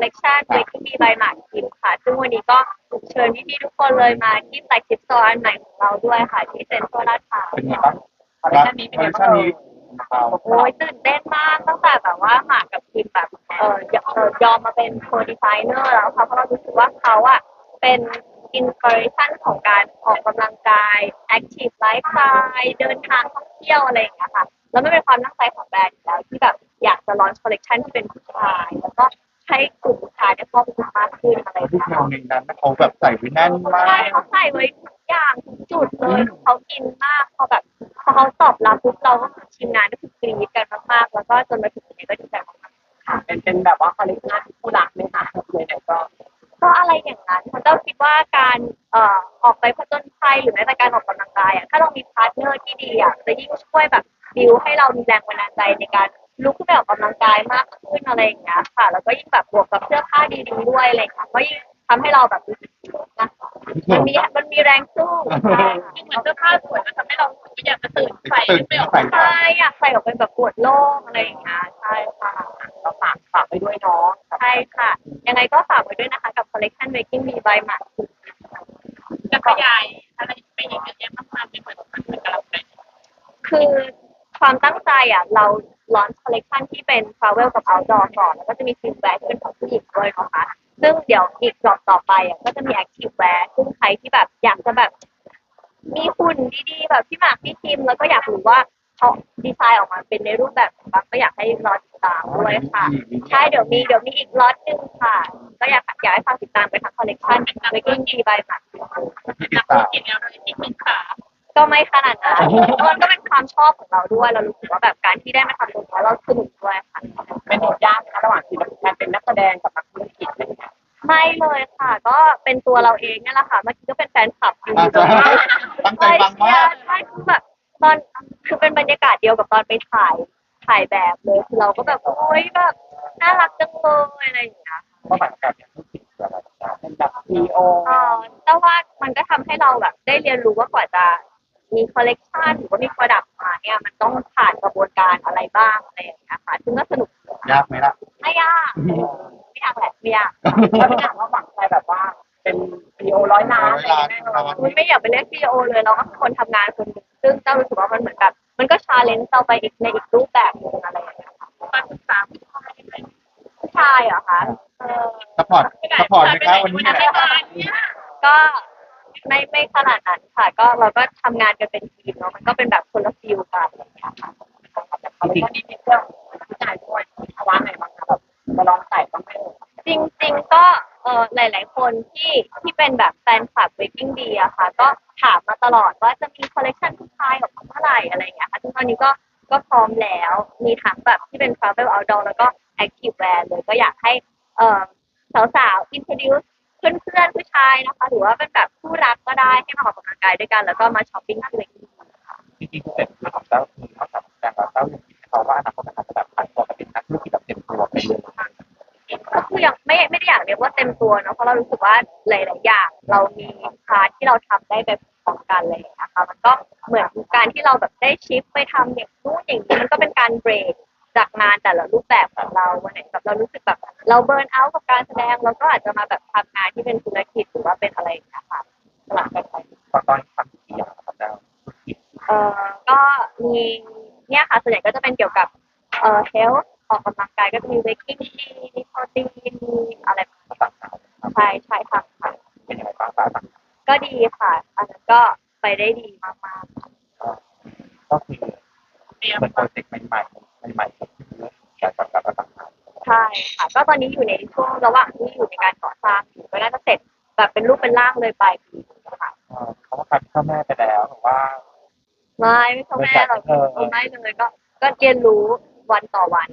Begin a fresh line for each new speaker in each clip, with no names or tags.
ลเลคชัน Waking Me by หมากคิมค่ะซึ่งวันนี้ก็เชิญพี่ๆทุกคนเลยมาที่แฟลกชิพสโตร์อันใหม่ของเราด้วยค่ะที่เซ็นทรัลลาดพร้าว
เป็นไงบ้างคอลเลคชันนี้เป็นไงบ้างเรา
โอ้ยตื่นเต้นมากตั้งแต่แบบว่าหมากกับคิมแบบยอมมาเป็นโคดีไซเนอร์แล้วค่ะเพราะเรารู้สึกว่าเขาอะเป็นอินสปิเรชันของการออกกำลังกายแอคทีฟไลฟ์สไตล์เดินทางท่องเที่ยวอะไรอย่างเงี้ยค่ะแล้วไม่เป็นความตั้งใจของแบรนด์อยู่แล้วที่แบบอยากจะลอนคอลเลคชันที่เป็นผู้ชายแล้วก็ให้กลุ่มผู้ชายได้ครอบคลุมมากขึ้นอะไรอย่าง
ผู้
เงี้ย
ชายในนั้นเขาแบบใส่ไว้แน่นมา
ใช่
ก
เขาใส่ไว้ทุกอย่างทุกจุดเลยเขาอินมากพอเขาตอบรับปุ๊บเราก็ทีมงานก็คือกรี๊ดกันมากๆแล้วก็จนมาถึงตรงนี้ก็ดีใจมากๆค่ะ
เป็นแบบว่าคอลเลกชันคู่รักไหมคะเลยไหน
ก็อะไรอย่างนั้นเพราะเจ้าคิดว่าการออกไปผจญภัยหรือแม้แต่การออกกำลังกายอ่ะถ้าเรามีพาร์ทเนอร์ที่ดีอ่ะจะยิ่งช่วยแบบบิวให้เรามีแรงบันดาลใจในการลุกขึ้นไปออกกำลังกายมากขึ้นอะไรอย่างเงี้ยค่ะแล้วก็ยิ่งแบบบวกกับเสื้อผ้าดีๆด้วยอะไรอย่างเงี้ยก็ยิ่งทำให้เราแบบรู้สึกนะมันมีแรงสู้ใช่ค่ะ
เหมือนเสื้อผ้าสวยมันทำให้เราอยากจะตื่นใส่ไม่ออก
ใช่อยากใส่ออกเป็นแบบปวดโล่งอะไรอย่างเงี้ยใช่ค่ะ
ก็ฝากไปด้วยเนาะ
ใช่ค่ะยังไงก็ฝากไว้ด้วยนะคะกับ collection Making Me by หมาก
จะขยายอะไรไปอีกเยอะแยะมากมายไม่เหมือนกับเราเลย
คือความตั้งใจอ่ะเรา launch collection ที่เป็น travel กับ outdoor ก่อนแล้วก็จะมี swim wear ที่เป็นของผู้หญิงด้วยนะคะซึ่งเดี๋ยวอีกรอบต่อไปอ่ะก็จะมี active wear ซึ่งใครที่แบบอยากจะแบบมีหุ่นดีๆแบบพี่หมากพี่คิมแล้วก็อยากรู้ว่าเขาดีไซน์ออกมาเป็นในรูปแบบไหนบ้างก็อยากให้รอติดตามด้วยค่ะใช่เดี๋ยวมีอีกล็อตหนึ่งค่ะก็อยากให้ฟังติดตามไปทั้งคอลเลคชัน Waking Me by หมากคิม
นักธุรกิจแล้วเลยที่เป็นขา
ก็ไม่ขนาดนั้นมันก็เป็นความชอบของเราด้วยเรารู้สึกว่าแบบการที่ได้มาทำตรงนี้เราสนุกด้วยค่ะ
เป็นบทยากนะระหว่างที่การเป็นนักแสดงกับนักธุรกิจอะไรอย่างเงี้ย
ไม่เลยค่ะก็เป็นตัวเราเองนี่แหละค่ะเมื่อกี้ก็เป็นแฟนคลับอยู่
ตั้งใจฟังมาก
ใช่คือแบบตอนคือเป็นบรรยากาศเดียวกับตอนไปถ่ายแบบเลยคือเราก็แบบโอ๊ยแบบน่ารักจังเลยอะไรอย่างเงี้ย
ก็หมายการเป็นธุรกิจอะไร
เป็นแบบซีโอ
แต่ว่ามันก็ทำให้เราแบบได้เรียนรู้ว่ากว่าจะมีคอลเลกชันหรือว่ามีโปรดักต์มาเนี่ยมันต้องผ่านกระบวนการอะไรบ้างอะไรอย่างเงี้ยค่ะซึ่งก็สนุก
ยากไหมล่ะ
ไม่ยากไม่ยากแหละไม่ยาก
แล้วพี่หนักว่าหวังใจแบบว่าเป็นซีโอ100 ล้านแน่นอน
ไม่อยากไปเรียกซีโอเลยเราก็คือคนทำงานคนหนึ่งซึ่งเจ้ารู้สึกว่ามันเหมือนกับมันก็ชาเลนจ์เราไปอีกในอีกรูปแบบนึงอะไรอย่างเงี้ยค่ะ
การศึกษา
ผู้ชายเหรอคะ
ซัพพอร์ตไหมครับวันนี้
ก็ไม่ขนาดนั้นค่ะก็เราก็ทำงานกันเป็นทีมเนาะมันก็เป็นแบบคนละฟิลกันอะไรอย่างเงี้ยค่ะ
เขาเป็นคนที่มีเครื่องผู้ชายด้วยภาวะไหนบ้างคะแบบจะลองใส่บ้างไหม
จริงๆก็หลายๆคนที่เป็นแบบแฟนคลับ Waking D อะค่ะก็ถามมาตลอดว่าจะมีคอลเลคชันผู้ชายออกมาเมื่อไหร่อะไรอย่างเงี้ยค่ะซึ่งตอนนี้ก็พร้อมแล้วมีทั้งแบบที่เป็น travel outdoor แล้วก็ active wear เลยก็อยากให้เอ่อสาวๆ introduce เพื่อนๆผู้ชายนะคะหรือว่าเป็นแบบคู่รักก็ได้ให้มาออกกำลังกายด้วยกันแล้วก็มาช้อปปิ้งที่ Waking D
จริงๆเสร็จเรื่องของเจ้าคือเขาทำแต่เจ้าอย่างที่เขาว่าอนาคตอาจจะแบบผันตัวเป็นนักธุรกิจแบบเต็มตัวไปเลย
ก็คือยังไม่ได้อยากเรียกว่าเต็มตัวเนาะเพราะเรารู้สึกว่าหลายๆอย่างเรามีพาร์ทที่เราทำได้แบบพร้อมกันเลยนะคะมันก็เหมือนการที่เราแบบได้ชิฟไปทำอย่างนู้นอย่างนี้มันก็เป็นการเบรกจากงานแต่ละรูปแบบของเราวันไหนแบบเรารู้สึกแบบเราเบิร์นเอาท์กับการแสดงเราก็อาจจะมาแบบทำงานที่เป็นธุรกิจหรือว่าเป็นอะไรอย่างเงี้ยค่ะสลับกันไป
ตอนทำกี่อย่างครับเจ้า
ก็มีเนี่ยค่ะส่วนใหญ่ก็จะเป็นเกี่ยวกับhealth ออกกำลังกายก็จะมี waking tea มีโปรตีนมีอะไร
ต่างๆ
ใช่ค่ะ
เป็นยังไงบ้างต่าง
ก็ดีค่ะอันนั้นก็ไปได้ดีมาก
ๆก็คือเป็นโปรเจกต์ใหม่ๆการจัดการต่าง
ๆใช่ค่ะก็ตอนนี้อยู่ในช่วงระหว่างที่อยู่ในการก่อสร้างอยู่ก็น่าจะเสร็จแบบเป็นรูปเป็นร่างเลยปลายปีค่ะ
เขาก็คัดพ่อแม่ไปแล้วหรือว่า
ไม่พ่อแม่เราไม่เลยก็เรียนรู้วันต่อวัน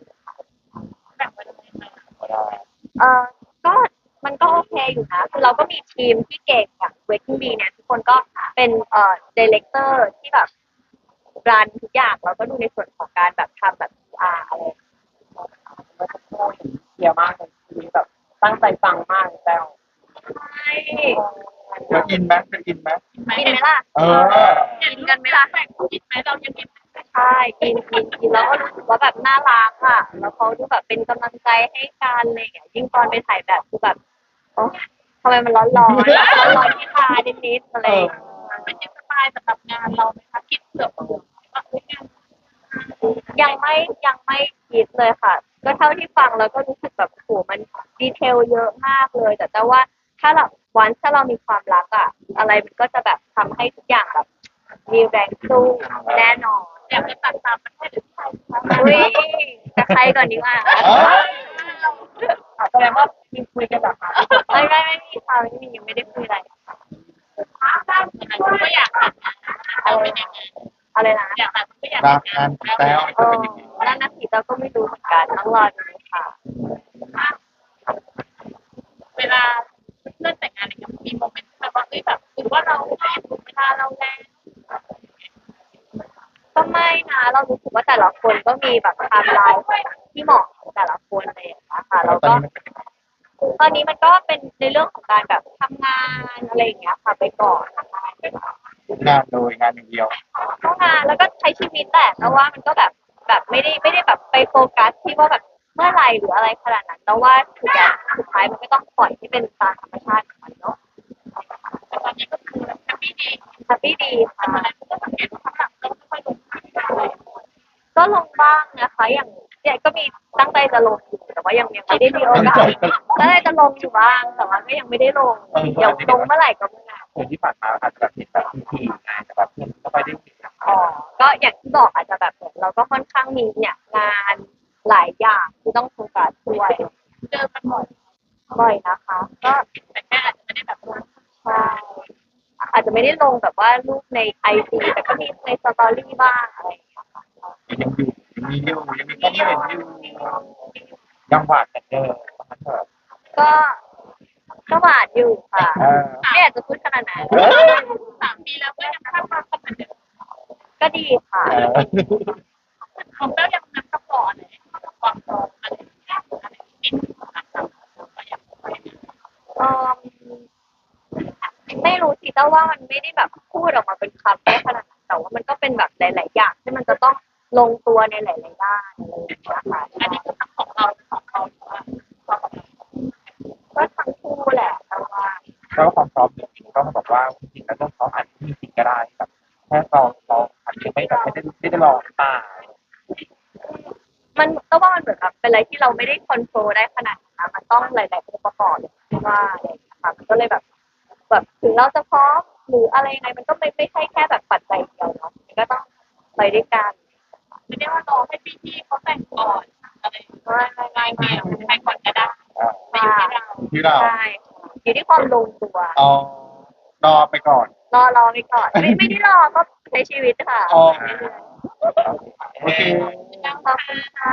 เออก็มันก็โอเคอยู่นะคือเราก็มีทีมที่เก่งอย่าง Waking Bee เนี่ยทุกคนก็เป็นดีเลกเตอร์ที่แบบรันทุกอย่างเราก็ดูในส่วนของการแบบทำแบบ PR อะไร
เยอะมากเลยทีแบบตั้งใจฟังมากแล้ว
ใช่
เธออินไหม
กินไหมล่ะ
เออ
กินกันไหมล่ะ
แต่กินไหมเรายังกิน
ใช่ช่กินแล้วก็รู้สึกว่าแบบน่ารักอ่ะแล้วเขาดูแบบเป็นกำลังใจให้กันอะไรอย่างเงี้ยยิ่งตอนไปถ่ายแบบคือแบบโอ้ทำไมมันร้อนที่ตานิดๆอะไรอย่างเงี้ย
เป็นยังสบายสำหรับงานเราไหมคะคิดเผื่อว่าเฮ้ยงาน
ยังไม่คิดเลยค่ะก็เท่าที่ฟังแล้วก็รู้สึกแบบโหมันดีเทลเยอะมากเลยแต่ว่าถ้าเรามีความรักอะอะไรมันก็จะแบบทำให้ทุกอย่างแบบมีแรงสู้แน่นอน
อยากจะตัดตามประเทศหรือไทยคะ
อุ้ยจะใครก่อนดีว่า
แสดงว่ามีคุยกันแบบนั้น
ไม่มีค่ะไม่มียังไม่ได้คุยอะไร
ก็อยากเราเป็นยังไง
อะไรนะ
อยากก็อยาก
งานงานแต้ว
เออนั่นนะสิเราก็ไม่รู้เหมือนกันต้องรอดูค่ะ
เวลาเพื่อนแต่งงานอะไรเงี้ยมีโมเมนต์แบบว่าเอ้ยแบบหรือว่าเราถูกเวลาเราแล้ว
ก็ไม่นะเรารู้สึกว่าแต่ละคนก็มีแบบไทม์ไลน์ที่เหมาะกับแต่ละคนเลยนะคะแล้วก็ตอนนี้มันก็เป็นในเรื่องของการแบบทำงานอะไรอย่างเงี้ยค่ะไปก่อนนะคะ
งานโดยงานอย่างเดียว
เข้างานแล้วก็ใช้ชีวิตแต่ว่ามันก็แบบไม่ได้แบบไปโฟกัสที่ว่าแบบเมื่อไหร่หรืออะไรขนาดนั้นแต่ว่าสุดท้ายมันก็ต้องปล่อยให้เป็นตามธรรมชาติของมันเนาะ
แต่ตอนนี้ก็คือแฮปปี้ดี
แฮปปี้ดีค่ะ
อะไรก็สังเกตว่าข้างหลังเราไม่ค่อยลงภาพอะไร
ก็ลงบ้างนะคะอย่างเนี่ยก็มีตั้งใจจะลงอยู่แต่ว่ายังไม่ได้มีโอกาสตั้งใจจะลงอยู่บ้างแต่ว่าก็ยังไม่ได้ลงเดี๋ยวลงเมื่อไหร่ก็เมื่อนั้น
คนที่ผ่านมาอาจจะแบบเห็นแบบทีงานแต่แบบเพื่อนก็ไม่ได้เห็น
อ๋อก็อย่างที่บอกอาจจะแบบเหมือนเราก็ค่อนข้างมีเนี่ยงานหลายอย่างที่ต้องโฟกัสด้วย
เจอกัน
บ่อยนะคะก็
แต่แค่อาจจะไม่ได้แบบว่า
ใช่อาจจะไม่ได้ลงแบบว่ารูปในไอจีแต่ก็มีในสตอรี่บ้างอะไรอย่างเงี้ยค่ะ
ยังอยู่ยังมีก็ไม่เห็นอยู่ยังหวาดกันเจอมันเถอะ
ก็ก็หวานอยู่ค่ะไม่อยากจะพูดขนาดนั้น
3 ปีแล้วก็ยังภาพความเหมือนเดิม
ก็ดีค่ะ
ของแต้วยังนับกับก่อนเลยความพร้อมอะไรอะไรติดนะครับก็ยัง
เออไม่รู้สิแต่ว่ามันไม่ได้แบบพูดออกมาเป็นคำได้ขนาดนั้นแต่ว่ามันก็เป็นแบบหลาย ๆ อย่างที่มันจะต้องลงตัวในหลาย ๆ ด้านอะไรอย่างเงี้ยค่ะ
อันนี้คือทั้งของเราของเขาหรือว่าเรากับ
ก็ทั้งคู่แหละแต่ว่า
แล้วความพร้อมจริงๆก็บอกว่าจริงๆแล้วเรื่องเขาอาจจะมีจริงก็ได้แบบแค่เราอาจจะไม่แบบไม่ได้ลองตา
มันก็ว่ามันเหมือนแบบเป็นอะไรที่เราไม่ได้คอนโทรลได้ขนาดนั้นมันต้องหลาย ๆ องค์ประกอบที่ว่าอะไรอย่างเงี้ยค่ะมันก็เลยแบบถึงเราจะพร้อมหรืออะไรยังไงมันก็ไม่ใช่แค่แบบปัจจัยเดียวเนาะมันก็ต้องไปด้วยกัน
ไม่ได้ว่าเราให้พี่เขาแต่งก่อนอะไรไม่ใครก่อนก็ได้ไม่อยู่ที่เรา
ที่เรา
ใช่อยู่ที่ความลงตัว
เอารอไปก่อน
รอไปก่อนไม่ได้รอก็ใช้ชีวิตค่ะ
อ๋อโอเค
ขอบคุณค่ะ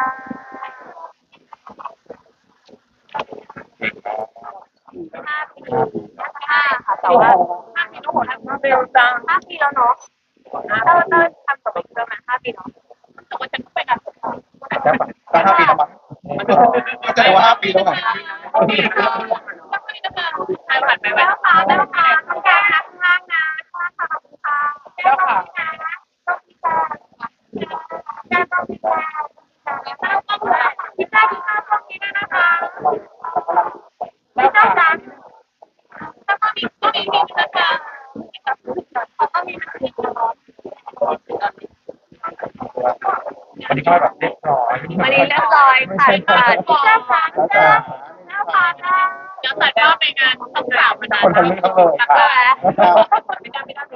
5 ปีค่ะแต่ว่า
5 ปีแล้วหมดแล้วเร็วจัง
5 ปีแล้วเนาะเราทำกับไปเพื่อมา5 ปีเนาะ
แต่ว่าฉันก็ไปงานศพเขา
แต่ก็5 ปีแล้วมั้งแต่ว่า5 ปีแล้วมั้ง
ก็มีนะคะใครผ่านไปไว้แล้วค่ะแล้วค่ะทำการข้างล่างนะข้างล่างค่ะขอบคุณค่ะแล้วค่ะต้องพิจารณาต้องพิจารณาแล้วก็พิจารณาตรงนี้ด้วยนะคะแล้วค่ะแล้วก็มีนะคะเขาก็มีมีตลอด
วันนี้ก็แบบเรียบร้อย
วันนี้เรียบร้อยค่ะที่เจ้าค่ะ
แล้วแต่
เดี๋ยวตัดภาพไปงานต้องสาวมานาน
คนทะลึ่งทั้งเลย
ใช่ไหม
ไม่ได้